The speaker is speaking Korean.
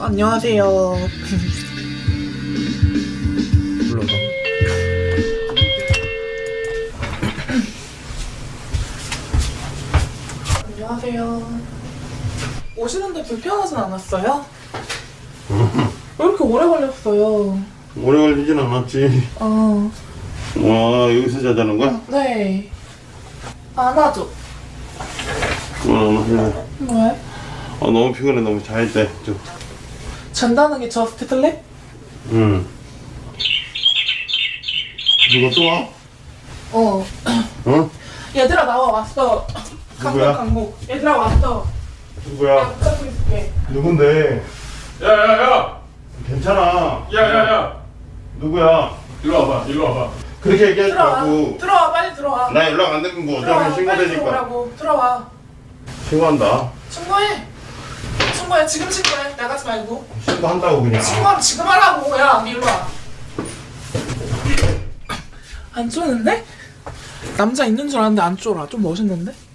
안녕하세요. 불러봐. 안녕하세요. 오시는데 불편하진 않았어요? 왜 이렇게 오래 걸렸어요? 오래 걸리진 않았지. 와, 여기서 자자는 거야? 네. 안아줘. 왜? 너무 피곤해. 너무 잘 때. 좀. 잔다는 게 저스트 슬립? 응. 누가 또 와? 어. 어? 얘들아 나와 왔어. 누구야? 강목. 얘들아 왔어. 누구야? 야 붙잡고 있을게. 누군데? 야야야! 괜찮아. 야야야! 누구야? 일로 와봐, 일로 와봐. 그렇게 얘기하지 들어와. 말고. 들어와 빨리 들어와. 나 연락 안 되면 뭐 들어와 어쩌면 빨리 신고되니까. 들어오라고. 들어와. 신고한다. 신고해. 신고해. 지금 신고해. 나가지 말고. 신고한다고 그냥. 신고하면 지금 하라고. 야 일로 와. 안 쪼는데? 남자 있는 줄 알았는데 안 쫄아. 좀 멋있는데?